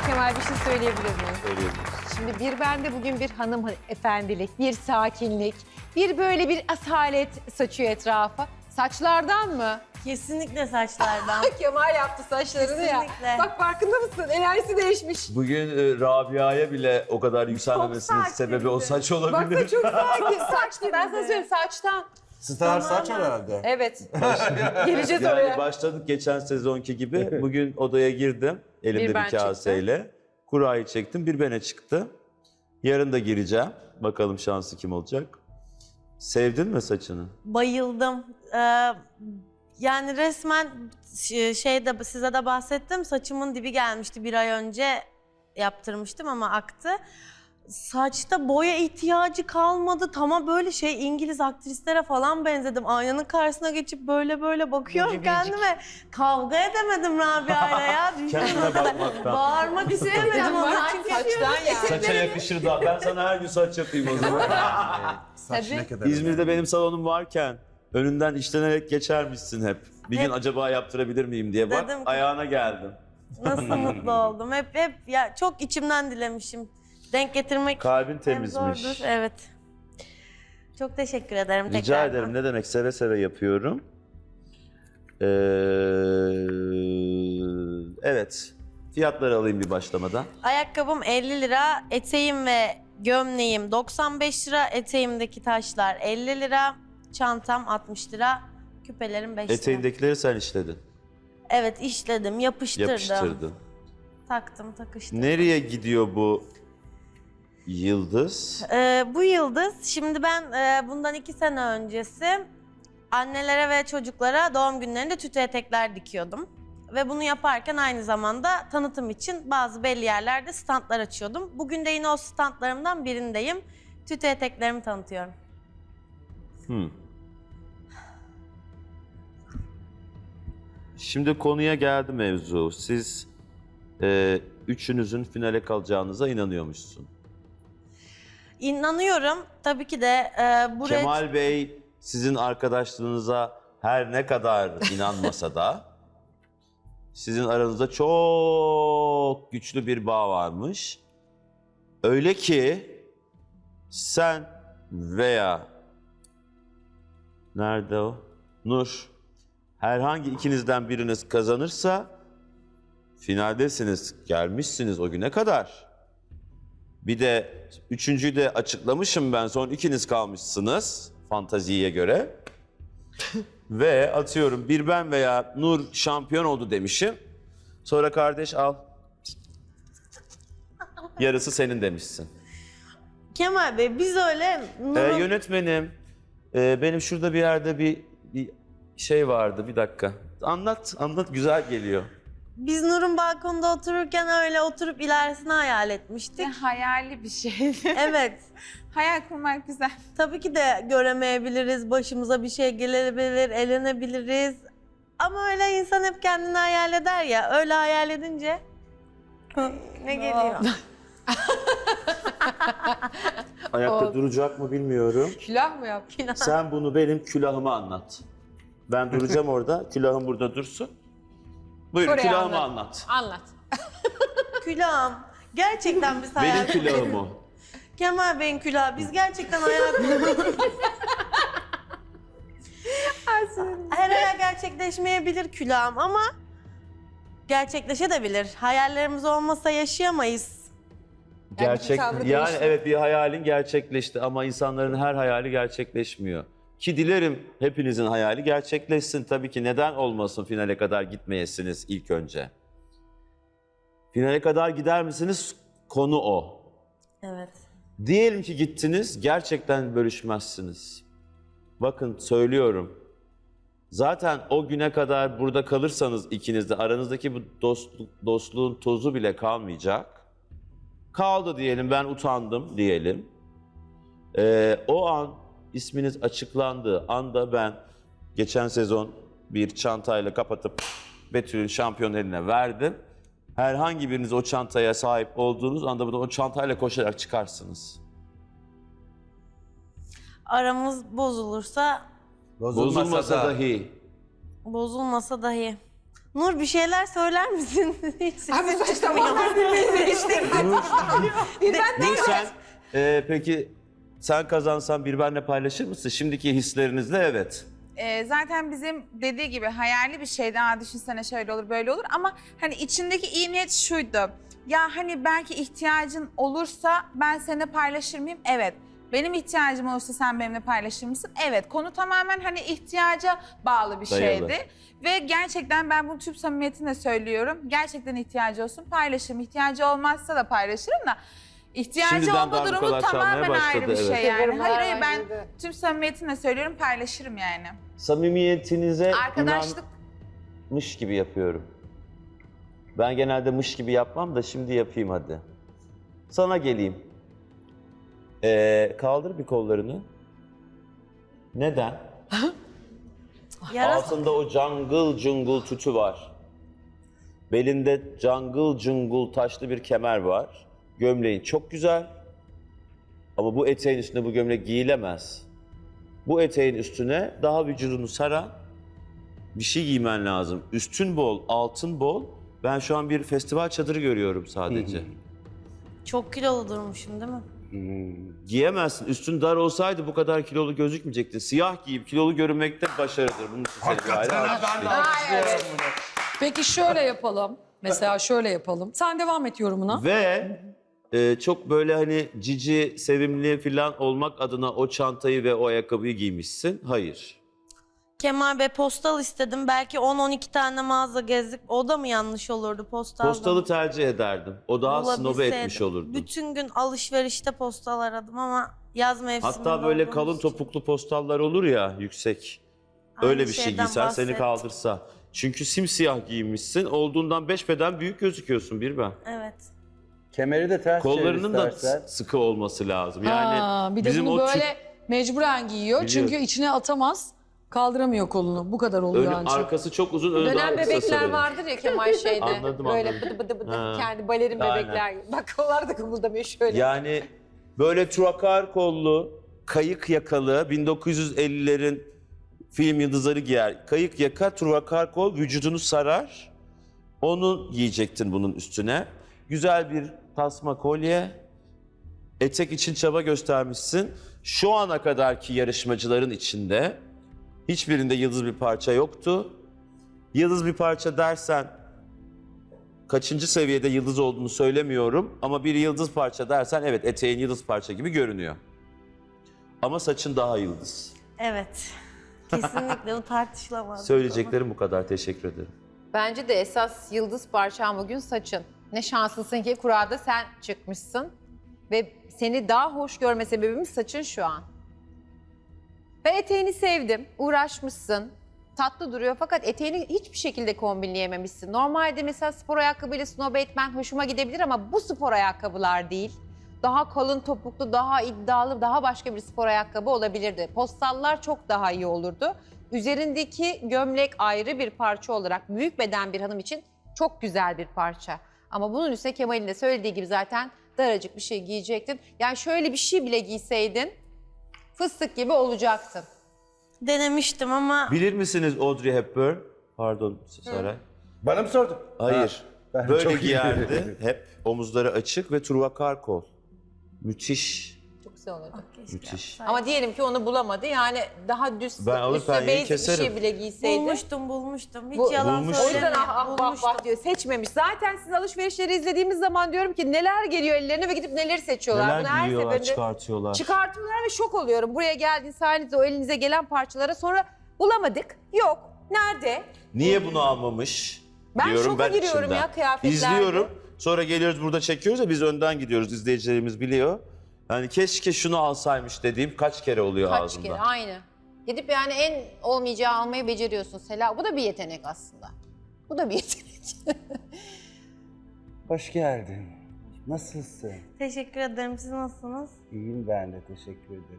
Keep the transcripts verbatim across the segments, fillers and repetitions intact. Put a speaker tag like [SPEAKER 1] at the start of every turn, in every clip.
[SPEAKER 1] Kemal bir şey söyleyebilir miyim?
[SPEAKER 2] Söyleyebiliriz.
[SPEAKER 1] Şimdi bir bende bugün bir hanım efendilik, bir sakinlik, bir böyle bir asalet saçıyor etrafa. Saçlardan mı?
[SPEAKER 3] Kesinlikle saçlardan.
[SPEAKER 1] Kemal yaptı saçlarını ya.
[SPEAKER 3] Kesinlikle.
[SPEAKER 1] Bak farkında mısın? Enerjisi değişmiş.
[SPEAKER 2] Bugün e, Rabia'ya bile o kadar yükselmemesinin
[SPEAKER 1] sakin
[SPEAKER 2] sebebi o saç
[SPEAKER 1] Baksana
[SPEAKER 2] olabilir.
[SPEAKER 1] çok sakin. Saç değil. Ben sana söyleyeyim saçtan.
[SPEAKER 4] Star saç herhalde.
[SPEAKER 1] Evet. Geleceğiz
[SPEAKER 2] Yani
[SPEAKER 1] oraya.
[SPEAKER 2] başladık geçen sezonki gibi. Bugün odaya girdim elimde
[SPEAKER 1] Bir ben
[SPEAKER 2] bir, kaseyle. Kurayı çektim, bir bene çıktı. Yarın da gireceğim. Bakalım şansı kim olacak. Sevdin mi saçını?
[SPEAKER 3] Bayıldım. Ee, yani resmen ş- şeyde size de bahsettim. Saçımın dibi gelmişti bir ay önce yaptırmıştım ama aktı. Saçta boya ihtiyacı kalmadı. Tamam böyle şey İngiliz aktrislere falan benzedim. Aynanın karşısına geçip böyle böyle bakıyorum
[SPEAKER 1] Biricik.
[SPEAKER 3] kendime. Kavga edemedim Rabia'yla ya.
[SPEAKER 2] Kendine bakmaktan.
[SPEAKER 3] Bağırmak istemedim ona. Çünkü
[SPEAKER 1] Saçtan ya.
[SPEAKER 2] Saça yakışır da. Ben sana her gün saç yapayım o zaman.
[SPEAKER 4] Saç
[SPEAKER 1] Tabii.
[SPEAKER 4] ne kadar
[SPEAKER 2] İzmir'de benim salonum varken önünden işlenerek geçermişsin hep. Bir gün
[SPEAKER 3] Hep.
[SPEAKER 2] acaba yaptırabilir miyim diye bak
[SPEAKER 3] Dedim ki-
[SPEAKER 2] ayağına geldim.
[SPEAKER 3] nasıl mutlu oldum. Hep hep ya çok içimden dilemişim. Denk getirmek
[SPEAKER 2] Kalbin
[SPEAKER 3] hem
[SPEAKER 2] temizmiş.
[SPEAKER 3] zordur. Evet. Çok teşekkür ederim
[SPEAKER 2] Rica
[SPEAKER 3] tekrardan.
[SPEAKER 2] ederim. Ne demek? Seve seve yapıyorum. Ee, evet. Fiyatları alayım bir başlamadan.
[SPEAKER 3] Ayakkabım elli lira, eteğim ve gömleğim doksan beş lira, eteğimdeki taşlar elli lira, çantam altmış lira, küpelerim beş lira.
[SPEAKER 2] Eteğindekileri sen işledin.
[SPEAKER 3] Evet işledim, yapıştırdım.
[SPEAKER 2] Yapıştırdın.
[SPEAKER 3] Taktım, takıştırdım.
[SPEAKER 2] Nereye gidiyor bu yıldız?
[SPEAKER 3] Ee, bu yıldız, şimdi ben e, bundan iki sene öncesi annelere ve çocuklara doğum günlerinde tütü etekler dikiyordum. Ve bunu yaparken aynı zamanda tanıtım için bazı belli yerlerde standlar açıyordum. Bugün de yine o standlarımdan birindeyim. Tütü eteklerimi tanıtıyorum.
[SPEAKER 2] Hmm. Şimdi konuya geldi mevzu. Siz e, üçünüzün finale kalacağınıza inanıyormuşsun.
[SPEAKER 3] İnanıyorum tabii ki de e, buraya...
[SPEAKER 2] Kemal Bey sizin arkadaşlığınıza her ne kadar inanmasa da sizin aranızda çok güçlü bir bağ varmış. Öyle ki sen veya nerede o? Nur. Herhangi ikinizden biriniz kazanırsa finaldesiniz, gelmişsiniz o güne kadar. Bir de üçüncüyü de açıklamışım ben, son ikiniz kalmışsınız fantaziye göre. Ve atıyorum bir ben veya Nur şampiyon oldu demişim. Sonra kardeş al. Yarısı senin demişsin.
[SPEAKER 3] Kemal Bey biz öyle...
[SPEAKER 2] Ee,
[SPEAKER 3] Nur'un-
[SPEAKER 2] yönetmenim, e, benim şurada bir yerde bir, bir şey vardı, bir dakika. Anlat, anlat, güzel geliyor.
[SPEAKER 3] Biz Nur'un balkonda otururken öyle oturup ilerisini hayal etmiştik.
[SPEAKER 5] Ne hayali bir şey.
[SPEAKER 3] Evet.
[SPEAKER 5] Hayal kurmak güzel.
[SPEAKER 3] Tabii ki de göremeyebiliriz, başımıza bir şey gelebilir, elenebiliriz. Ama öyle insan hep kendini hayal eder ya, öyle hayal edince ne geliyor?
[SPEAKER 2] Ayakta
[SPEAKER 1] Oldu.
[SPEAKER 2] duracak mı bilmiyorum.
[SPEAKER 1] Külah mı yaptın?
[SPEAKER 2] Sen bunu benim külahıma anlat. Ben duracağım orada, külahım burada dursun. Buyurun
[SPEAKER 1] Oraya
[SPEAKER 2] külahımı
[SPEAKER 1] anlat.
[SPEAKER 2] anlat.
[SPEAKER 1] Anlat.
[SPEAKER 3] Külahım. Gerçekten biz hayal
[SPEAKER 2] Benim külahım o.
[SPEAKER 3] Kemal Bey'in külahı. Biz gerçekten hayal kurduk. Her hayal gerçekleşmeyebilir külahım ama gerçekleşebilir. Hayallerimiz olmasa yaşayamayız.
[SPEAKER 2] Gerçek,
[SPEAKER 1] tavrı
[SPEAKER 2] yani
[SPEAKER 1] değişti.
[SPEAKER 2] evet bir hayalin gerçekleşti ama insanların her hayali gerçekleşmiyor. Ki dilerim hepinizin hayali gerçekleşsin. Tabii ki neden olmasın finale kadar gitmeyesiniz ilk önce. Finale kadar gider misiniz? Konu o.
[SPEAKER 3] Evet.
[SPEAKER 2] Diyelim ki gittiniz, gerçekten bölüşmezsiniz. Bakın söylüyorum. Zaten o güne kadar burada kalırsanız ikiniz de aranızdaki bu dostluk, dostluğun tozu bile kalmayacak. Kaldı diyelim, ben utandım diyelim. Ee, o an isminiz açıklandığı anda ben geçen sezon bir çantayla kapatıp Betül'ün şampiyon eline verdim. Herhangi biriniz o çantaya sahip olduğunuz anda burada o çantayla koşarak çıkarsınız.
[SPEAKER 3] Aramız bozulursa,
[SPEAKER 2] Bozulmasa dahi.
[SPEAKER 3] bozulmasa dahi. Nur bir şeyler söyler misin? Hiç
[SPEAKER 1] Abi
[SPEAKER 3] sesin
[SPEAKER 1] saçmalama.
[SPEAKER 3] çıkmıyor.
[SPEAKER 2] Nur sen e, peki sen kazansan bir benle paylaşır mısın? Şimdiki hislerinizle evet.
[SPEAKER 5] Ee, zaten bizim dediği gibi hayali bir şeydi. Aa, düşünsene şöyle olur böyle olur ama hani içindeki iyi niyet şuydu. Ya hani belki ihtiyacın olursa ben seninle paylaşır mıyım? Evet. Benim ihtiyacım olursa sen benimle paylaşır mısın? Evet. Konu tamamen hani ihtiyaca bağlı bir
[SPEAKER 2] Dayalı.
[SPEAKER 5] şeydi. Ve gerçekten ben bunu tüm samimiyetimle söylüyorum. Gerçekten ihtiyacı olsun paylaşırım. İhtiyacı olmazsa da paylaşırım da. İhtiyacı
[SPEAKER 2] Şimdiden
[SPEAKER 5] olma
[SPEAKER 2] daha bu
[SPEAKER 5] durumu
[SPEAKER 2] kadar çalmaya
[SPEAKER 5] tamamen ayrı
[SPEAKER 2] başladı,
[SPEAKER 5] bir
[SPEAKER 2] evet.
[SPEAKER 5] şey yani. Hayır hayır ben
[SPEAKER 1] Bence de.
[SPEAKER 5] tüm samimiyetimle söylüyorum paylaşırım yani.
[SPEAKER 2] Samimiyetinize
[SPEAKER 5] Arkadaşlık
[SPEAKER 2] inanmış gibi yapıyorum. Ben genelde mış gibi yapmam da şimdi yapayım hadi. Sana geleyim. Ee, kaldır bir kollarını. Neden?
[SPEAKER 3] Yarasa-
[SPEAKER 2] Altında o jungle jungle tütü var. Belinde jungle jungle taşlı bir kemer var. Gömleğin çok güzel. Ama bu eteğin üstüne bu gömlek giyilemez. Bu eteğin üstüne daha vücudunu saran bir şey giymen lazım. Üstün bol, altın bol. Ben şu an bir festival çadırı görüyorum sadece.
[SPEAKER 3] Çok kilolu durmuşum değil mi?
[SPEAKER 2] Giyemezsin. Üstün dar olsaydı bu kadar kilolu gözükmeyecektin. Siyah giyip kilolu görünmekte başarıdır. Bunun için seni bir ayrı
[SPEAKER 4] Hakikaten ben de alkışlıyorum bunu.
[SPEAKER 6] Peki şöyle yapalım. Mesela şöyle yapalım. Sen devam et yorumuna.
[SPEAKER 2] Ve e, çok böyle hani cici, sevimli falan olmak adına o çantayı ve o ayakkabıyı giymişsin. Hayır.
[SPEAKER 3] Kemal Bey postal istedim. Belki on on iki tane mağaza gezdik. O da mı yanlış olurdu postalda?
[SPEAKER 2] Postalı tercih ederdim. O daha snobe
[SPEAKER 3] Bulabilseydim.
[SPEAKER 2] etmiş olurdu.
[SPEAKER 3] Bütün gün alışverişte postal aradım ama yaz mevsiminde
[SPEAKER 2] Hatta böyle
[SPEAKER 3] olduğumuz
[SPEAKER 2] kalın
[SPEAKER 3] için.
[SPEAKER 2] topuklu postallar olur ya yüksek.
[SPEAKER 3] Aynı
[SPEAKER 2] Öyle bir şey
[SPEAKER 3] şeyden
[SPEAKER 2] giysen seni
[SPEAKER 3] bahset.
[SPEAKER 2] kaldırsa. Çünkü simsiyah giyinmişsin. Olduğundan beş beden büyük gözüküyorsun bir ben.
[SPEAKER 3] Evet.
[SPEAKER 4] Kemeri de ters
[SPEAKER 2] Kollarının da
[SPEAKER 4] istersen.
[SPEAKER 2] sıkı olması lazım. Yani
[SPEAKER 6] Ha, bir de
[SPEAKER 2] bizim
[SPEAKER 6] bunu
[SPEAKER 2] o
[SPEAKER 6] böyle
[SPEAKER 2] tüp-
[SPEAKER 6] mecburen giyiyor.
[SPEAKER 2] Biliyorum.
[SPEAKER 6] Çünkü içine atamaz. Kaldıramıyor kolunu. Bu kadar oluyor
[SPEAKER 2] önü,
[SPEAKER 6] ancak.
[SPEAKER 2] arkası çok uzun, önü daha
[SPEAKER 1] Dönem
[SPEAKER 2] kısa
[SPEAKER 1] bebekler
[SPEAKER 2] sarıyor.
[SPEAKER 1] vardır ya Kemal şeyde.
[SPEAKER 2] Anladım,
[SPEAKER 1] Böyle
[SPEAKER 2] anladım.
[SPEAKER 1] bıdı bıdı bıdı
[SPEAKER 2] Ha,
[SPEAKER 1] kendi balerin
[SPEAKER 2] aynen.
[SPEAKER 1] bebekler gibi. Bak onlar da kımıldamıyor şöyle.
[SPEAKER 2] Yani böyle truakar kollu, kayık yakalı, bin dokuz yüz ellilerin film yıldızları giyer. Kayık yaka, truakar kol, vücudunu sarar. Onu giyecektin bunun üstüne. Güzel bir tasma kolye. Etek için çaba göstermişsin. Şu ana kadarki yarışmacıların içinde hiçbirinde yıldız bir parça yoktu. Yıldız bir parça dersen kaçıncı seviyede yıldız olduğunu söylemiyorum ama bir yıldız parça dersen evet eteğin yıldız parça gibi görünüyor. Ama saçın daha yıldız.
[SPEAKER 3] Evet. Kesinlikle bu tartışılamaz.
[SPEAKER 2] Söyleyeceklerim bu kadar. Teşekkür ederim.
[SPEAKER 1] Bence de esas yıldız parçan bugün saçın. Ne şanslısın ki kurada sen çıkmışsın. Ve seni daha hoş görme sebebimiz saçın şu an. Ben eteğini sevdim, uğraşmışsın. Tatlı duruyor fakat eteğini hiçbir şekilde kombinleyememişsin. Normalde mesela spor ayakkabıyla snob etmen hoşuma gidebilir ama bu spor ayakkabılar değil. Daha kalın topuklu, daha iddialı, daha başka bir spor ayakkabı olabilirdi. Postallar çok daha iyi olurdu. Üzerindeki gömlek ayrı bir parça olarak büyük beden bir hanım için çok güzel bir parça. Ama bunun üstüne Kemal'in de söylediği gibi zaten daracık bir şey giyecektin. Yani şöyle bir şey bile giyseydin fıstık gibi olacaktın.
[SPEAKER 3] Denemiştim ama
[SPEAKER 2] Bilir misiniz Audrey Hepburn? Pardon Saray.
[SPEAKER 4] Bana mı sordun?
[SPEAKER 2] Hayır.
[SPEAKER 4] Ha, ben
[SPEAKER 2] Böyle
[SPEAKER 4] çok iyi
[SPEAKER 2] giyerdi.
[SPEAKER 4] biliyorum.
[SPEAKER 2] Hep omuzları açık ve truakar kol. Müthiş.
[SPEAKER 1] Çok güzel olurdu.
[SPEAKER 2] Müthiş.
[SPEAKER 1] Ama diyelim ki onu bulamadı. Yani daha düz,
[SPEAKER 2] Ben alır
[SPEAKER 1] üstüne
[SPEAKER 2] penyeyi
[SPEAKER 1] basic bir
[SPEAKER 2] keserim.
[SPEAKER 1] şey bile giyseydi.
[SPEAKER 3] bulmuştum bulmuştum. Hiç
[SPEAKER 1] Bu-
[SPEAKER 3] yalan
[SPEAKER 2] Bulmuş.
[SPEAKER 1] O yüzden
[SPEAKER 3] söylemiyorum.
[SPEAKER 1] ah ah vah
[SPEAKER 3] Bulmuştum.
[SPEAKER 1] vah diyor. Seçmemiş. Zaten siz alışverişleri izlediğimiz zaman diyorum ki neler geliyor ellerine ve gidip neleri seçiyorlar. Bunu her seferinde
[SPEAKER 2] çıkartıyorlar.
[SPEAKER 1] çıkartıyorlar ve şok oluyorum. Buraya geldiğin sayenizde o elinize gelen parçalara sonra bulamadık. Yok. Nerede?
[SPEAKER 2] Niye bunu almamış?
[SPEAKER 1] Ben
[SPEAKER 2] diyorum
[SPEAKER 1] şoka
[SPEAKER 2] ben
[SPEAKER 1] giriyorum
[SPEAKER 2] içimden.
[SPEAKER 1] ya kıyafetlerde.
[SPEAKER 2] İzliyorum. Sonra geliyoruz burada çekiyoruz ya biz önden gidiyoruz. İzleyicilerimiz biliyor. Yani keşke şunu alsaymış dediğim kaç kere oluyor
[SPEAKER 1] Kaç
[SPEAKER 2] ağzımda.
[SPEAKER 1] kere aynı. Gidip yani en olmayacağı almayı beceriyorsun Sela. Bu da bir yetenek aslında. Bu da bir yetenek.
[SPEAKER 7] Hoş geldin. Nasılsın?
[SPEAKER 3] Teşekkür ederim. Siz nasılsınız?
[SPEAKER 7] İyiyim ben de teşekkür ederim.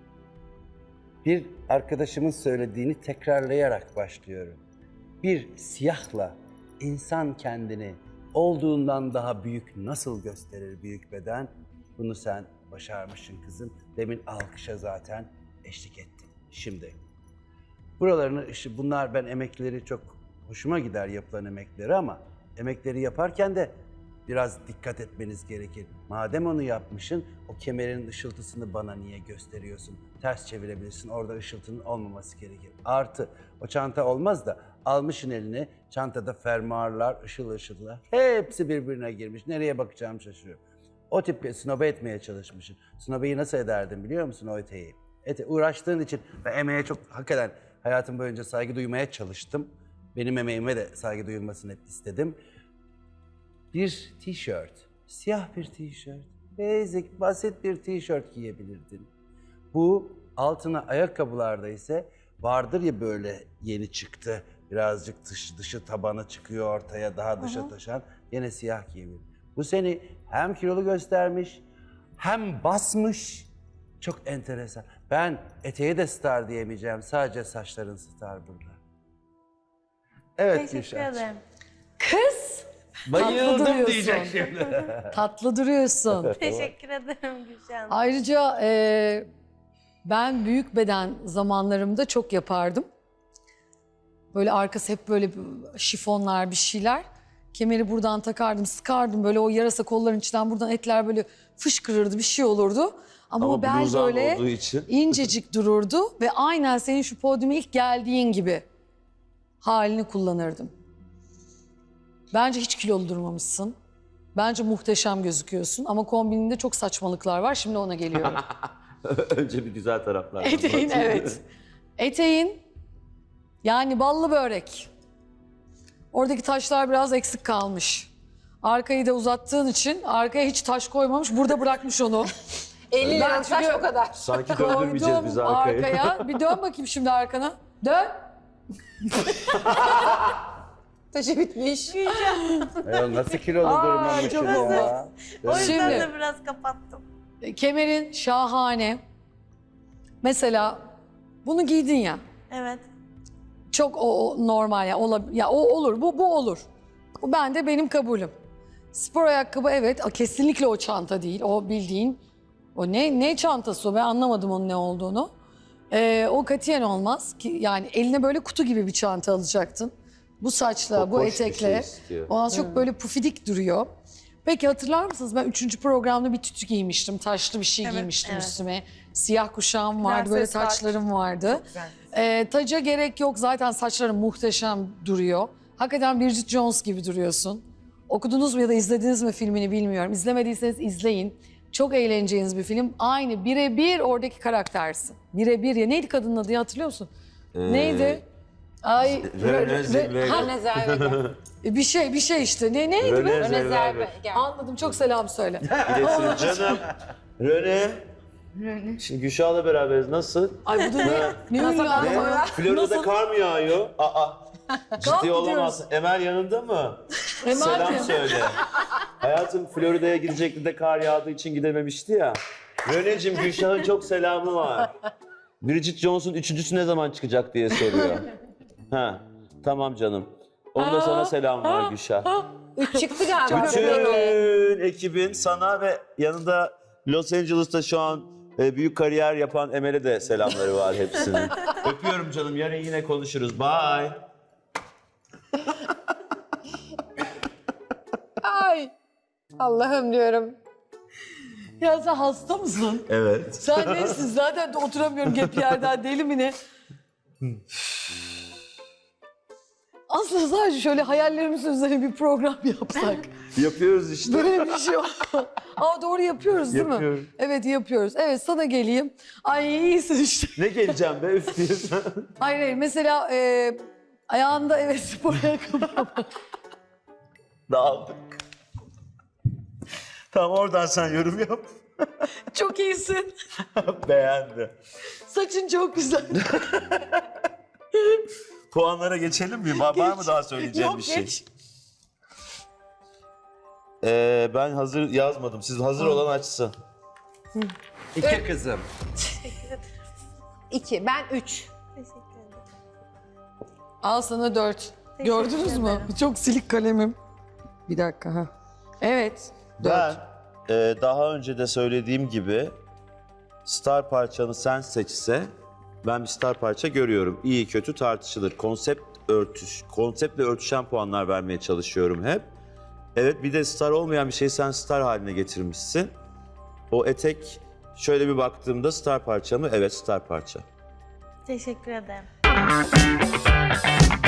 [SPEAKER 7] Bir arkadaşımın söylediğini tekrarlayarak başlıyorum. Bir siyahla insan kendini olduğundan daha büyük nasıl gösterir büyük beden? Bunu sen başarmışsın kızım. Demin alkışa zaten eşlik ettin. Şimdi buralarını, işte bunlar ben emekleri çok Hoşuma gider yapılan emekleri ama emekleri yaparken de biraz dikkat etmeniz gerekir. Madem onu yapmışsın, o kemerin ışıltısını bana niye gösteriyorsun? Ters çevirebilirsin, orada ışıltının olmaması gerekir. Artı, o çanta olmaz da almışsın eline, çantada fermuarlar, ışıl ışıllar, hepsi birbirine girmiş. Nereye bakacağım şaşırıyorum. O tip snobe etmeye çalışmışsın. Snobeyi nasıl ederdim biliyor musun o eteği? Ete, uğraştığın için ve emeğe çok hakikaten hayatım boyunca saygı duymaya çalıştım. Benim emeğime de saygı duyulmasını hep istedim. Bir tişört, siyah bir tişört, basic, basit bir tişört giyebilirdin. Bu altına ayakkabılarda ise vardır ya böyle yeni çıktı, birazcık dışı, dışı tabanı çıkıyor ortaya, daha dışa taşan, yine siyah giyebilirdin. Bu seni hem kilolu göstermiş, hem basmış, çok enteresan. Ben eteğe de star diyemeyeceğim, sadece saçların star burada. Evet
[SPEAKER 3] Teşekkür
[SPEAKER 7] Gülşah'cığım.
[SPEAKER 3] ederim.
[SPEAKER 6] Kız!
[SPEAKER 7] Bayıldım
[SPEAKER 6] duruyorsun.
[SPEAKER 7] diyecek şimdi.
[SPEAKER 6] Tatlı duruyorsun.
[SPEAKER 3] Teşekkür ederim Gülşen.
[SPEAKER 6] Ayrıca e, ben büyük beden zamanlarımda çok yapardım. Böyle arkası hep böyle şifonlar bir şeyler. Kemeri buradan takardım, sıkardım. Böyle o yarasa kolların içinden buradan etler böyle fışkırırdı, bir şey olurdu. Ama,
[SPEAKER 2] Ama
[SPEAKER 6] o bel
[SPEAKER 2] bluzan
[SPEAKER 6] böyle
[SPEAKER 2] olduğu için.
[SPEAKER 6] incecik dururdu ve aynen senin şu podyuma ilk geldiğin gibi halini kullanırdım. Bence hiç kilolu durmamışsın. Bence muhteşem gözüküyorsun ama kombininde çok saçmalıklar var. Şimdi ona geliyorum.
[SPEAKER 2] Önce bir güzel taraflar.
[SPEAKER 6] Eteğin evet. Eteğin yani ballı börek. Oradaki taşlar biraz eksik kalmış. Arkayı da uzattığın için arkaya hiç taş koymamış. Burada bırakmış onu.
[SPEAKER 1] elli
[SPEAKER 6] Ben
[SPEAKER 1] lira saç
[SPEAKER 6] çünkü-
[SPEAKER 1] o kadar.
[SPEAKER 2] Sanki döndürmeyeceğiz biz
[SPEAKER 6] Koydum
[SPEAKER 2] arkayı.
[SPEAKER 6] arkaya. Bir dön bakayım şimdi arkana. Dön.
[SPEAKER 1] Taşı bitmiş.
[SPEAKER 7] Ya nasıl kilolu
[SPEAKER 6] Aa,
[SPEAKER 7] durmamışım
[SPEAKER 6] çok
[SPEAKER 7] ya.
[SPEAKER 3] O yüzden
[SPEAKER 6] Şimdi-
[SPEAKER 3] de biraz kapattım.
[SPEAKER 6] Kemerin şahane. Mesela bunu giydin ya.
[SPEAKER 3] Evet.
[SPEAKER 6] Çok o, o normal ya, ola, ya o olur, bu bu olur. Bu ben de benim kabulüm. Spor ayakkabı evet, kesinlikle o çanta değil. O bildiğin, o ne ne çantası o, ben anlamadım onun ne olduğunu. Ee, o katiyen olmaz ki, yani eline böyle kutu gibi bir çanta alacaktın. Bu saçla,
[SPEAKER 2] Çok
[SPEAKER 6] bu
[SPEAKER 2] hoş bir şey
[SPEAKER 6] etekle.
[SPEAKER 2] istiyor.
[SPEAKER 6] O az çok böyle pufidik duruyor. Peki hatırlar mısınız? Ben üçüncü programda bir tütü giymiştim. Taşlı bir şey
[SPEAKER 5] Evet,
[SPEAKER 6] giymiştim
[SPEAKER 3] evet.
[SPEAKER 6] üstüme. Siyah kuşağım vardı, böyle
[SPEAKER 5] Prenses saç.
[SPEAKER 6] taçlarım vardı.
[SPEAKER 5] Güzel.
[SPEAKER 6] Ee, taca gerek yok. Zaten saçların muhteşem duruyor. Hakikaten Bridget Jones gibi duruyorsun. Okudunuz mu ya da izlediniz mi filmini bilmiyorum. İzlemediyseniz izleyin. Çok eğleneceğiniz bir film. Aynı birebir oradaki karaktersin. Birebir ya. Neydi kadının adı ya, hatırlıyor musun?
[SPEAKER 2] Ee,
[SPEAKER 6] Neydi? Ay,
[SPEAKER 2] Rene
[SPEAKER 6] Re- Re-
[SPEAKER 2] Zellweger.
[SPEAKER 6] Ha,
[SPEAKER 1] Öne Zellweger.
[SPEAKER 6] bir şey bir şey işte. Ne neydi be?
[SPEAKER 2] Rene
[SPEAKER 1] Öne
[SPEAKER 2] Zellweger.
[SPEAKER 1] Zellweger.
[SPEAKER 6] Anladım. Çok selam söyle.
[SPEAKER 2] Bilesin canım. Rene. Şimdi Gülşah'la beraberiz. Nasıl?
[SPEAKER 6] Ay bu da ne? Ne ünlü
[SPEAKER 2] Ne?
[SPEAKER 6] adam ya?
[SPEAKER 2] Florida'da
[SPEAKER 6] Nasıl?
[SPEAKER 2] kar mı yağıyor? Aa. Ciddi
[SPEAKER 6] mı
[SPEAKER 2] olamazsın. Emel yanında mı?
[SPEAKER 6] Emel
[SPEAKER 2] Selam
[SPEAKER 6] mi?
[SPEAKER 2] söyle. Hayatım Florida'ya gidecekti de kar yağdığı için gidememişti ya. Röneciğim Gülşah'ın çok selamı var. Bridget Jones'un üçüncüsü ne zaman çıkacak diye soruyor. Ha, tamam canım. Onun da sana selam var Gülşah.
[SPEAKER 1] Üç çıktı galiba.
[SPEAKER 2] Bütün ekibin sana ve yanında Los Angeles'ta şu an e, büyük kariyer yapan Emel'e de selamları var hepsinin. Öpüyorum canım. Yarın yine konuşuruz. Bye.
[SPEAKER 1] Ay. Allah'ım diyorum.
[SPEAKER 6] Ya sen hasta mısın?
[SPEAKER 2] Evet.
[SPEAKER 6] Sen neysin? Zaten de oturamıyorum hep yerden, deli mi ne? Aslında sadece şöyle hayallerimizin üzerine bir program yapsak.
[SPEAKER 2] Yapıyoruz işte.
[SPEAKER 6] Böyle bir şey yok. Aa doğru yapıyoruz değil mi?
[SPEAKER 2] Yapıyorum.
[SPEAKER 6] Evet yapıyoruz. Evet sana geleyim. Ay iyisin işte.
[SPEAKER 2] Ne geleceğim be üf diyorsun.
[SPEAKER 6] Hayır hayır mesela e, ayağında evet spor ayakkabı.
[SPEAKER 2] Dağıldık. Tamam oradan sen yorum yap.
[SPEAKER 6] Çok iyisin.
[SPEAKER 2] Beğendi.
[SPEAKER 6] Saçın çok güzel.
[SPEAKER 2] Puanlara geçelim mi? Var, var mı daha söyleyeceğim
[SPEAKER 6] Yok
[SPEAKER 2] bir şey?
[SPEAKER 6] geç.
[SPEAKER 2] Ee, ben hazır yazmadım. Siz hazır olan açsın.
[SPEAKER 7] İki kızım.
[SPEAKER 1] İki. Ben üç.
[SPEAKER 3] Teşekkür ederim.
[SPEAKER 6] Al sana dört.
[SPEAKER 3] Teşekkür
[SPEAKER 6] Gördünüz mü?
[SPEAKER 3] ederim.
[SPEAKER 6] Çok silik kalemim. Bir dakika ha. Evet. Dört.
[SPEAKER 2] Ben e, daha önce de söylediğim gibi star parçanı sen seçse ben bir star parça görüyorum. İyi kötü tartışılır. Konsept örtüş, konseptle örtüşen puanlar vermeye çalışıyorum hep. Evet, bir de star olmayan bir şeyi sen star haline getirmişsin. O etek şöyle bir baktığımda star parça mı? Evet, star parça.
[SPEAKER 3] Teşekkür ederim.